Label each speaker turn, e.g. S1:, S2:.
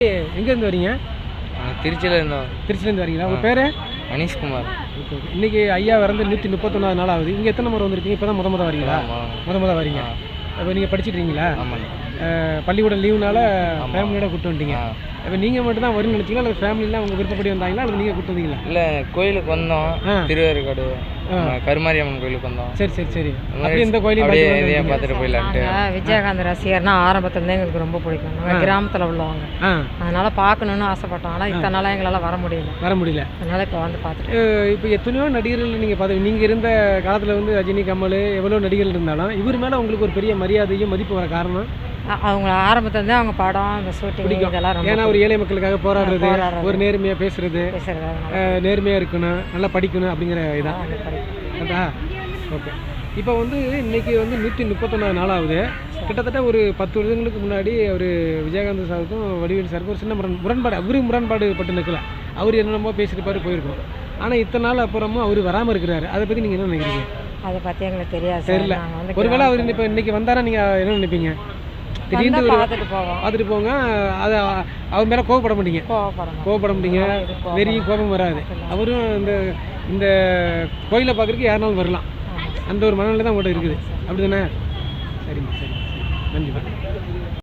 S1: எங்கேருந்து வரீங்க?
S2: திருச்சியில் இருந்தோம்.
S1: திருச்சிலேருந்து வரீங்களா? உங்கள் பேர்?
S2: மணிஷ்குமார்.
S1: Okay okay. இன்றைக்கி ஐயா வந்து 131வது நாள் ஆகுது. இங்கே எத்தனை முறை வந்திருக்கீங்க? இப்போ தான் முத வரீங்களா? முத வரீங்க. இப்போ நீங்கள் படிச்சுட்ருக்கீங்களா?
S2: ஆமாங்க.
S1: பள்ளிக்கூட லீவுனால ஃபேமிலியோட கூப்பிட்டு வந்துட்டீங்க. இப்போ நீங்கள் மட்டும் தான் வரும்னு நினச்சிங்களா, அல்லது ஃபேமிலிலாம் உங்கள் விருப்பப்படி வந்தாங்களா, அல்லது நீங்கள் கூப்பிட்டு வந்தீங்களா?
S2: இல்லை, கோயிலுக்கு வந்தோம். திருவேற்காடு கருமாரியம்மன் கோயிலுக்கு வந்தோம்.
S1: சரி சரி சரி. அப்படியே இந்த கோயிலையும்
S2: பார்த்துட்டு போயிடலான்ட்டு.
S3: விஜயகாந்த் ரசிகர்னா ஆரம்பத்துலேருந்து எங்களுக்கு ரொம்ப பிடிக்கும். நாங்கள் கிராமத்தில் உள்ளவங்க, அதனால பார்க்கணுன்னு ஆசைப்பட்டோம். ஆனால் இத்தனை நாளாக எங்களால் வர முடியல. அதனால இப்போ வந்து பார்த்துட்டு
S1: இப்போ எத்தனையோ நடிகர்கள் நீங்கள் பார்த்து, நீங்கள் இருந்த காலத்தில் வந்து ரஜினி, கமல் எவ்வளோ நடிகர்கள் இருந்தாலும் இவர் மேலே உங்களுக்கு ஒரு பெரிய மரியாதையும் மதிப்பு வர காரணம்
S3: அவங்க ஆரம்பத்துலேருந்து அவங்க படம், அந்த ஷூட்டிங் இதெல்லாம் ரொம்ப.
S1: ஏன்னா ஒரு ஏழை மக்களுக்காக போராடுறது, ஒரு நேர்மையாக பேசுறது, நேர்மையாக இருக்கணும், நல்லா படிக்கணும் அப்படிங்கிற இதான். ஓகே. இப்போ வந்து இன்றைக்கி வந்து 131வது நாள் ஆகுது. கிட்டத்தட்ட ஒரு 10 வருடங்களுக்கு முன்னாடி அவர் விஜயகாந்த் சாருக்கும் வடிவேலு சாருக்கும் ஒரு சின்ன முரண்பாடு, அவரு முரண்பாடு பட்டு நிற்கல. அவர் என்னென்னமோ பேசியிருப்பாரு, போயிருக்கோம். ஆனால் இத்தனை நாள் அப்புறமும் அவர் வராமல் இருக்கிறாரு. அதை பற்றி நீங்கள் என்ன நினைக்கிறீங்க?
S3: அதை பற்றி எங்களுக்கு தெரியாது.
S1: தெரியல. ஒருவேளை அவர் இப்போ இன்றைக்கி வந்தாரா நீங்கள் என்ன நினைப்பீங்க? திடீர்னு பார்த்துட்டு போங்க. அதை அவர் மேலே கோவப்பட மாட்டீங்க. வெறியும் கோபம் வராது. அவரும் இந்த கோயிலை பார்க்குறதுக்கு யாருனாலும் வரலாம். அந்த ஒரு மனநிலை தான் உங்கள்கிட்ட இருக்குது. அப்படி தானே? சரிங்க, சரி, நன்றி.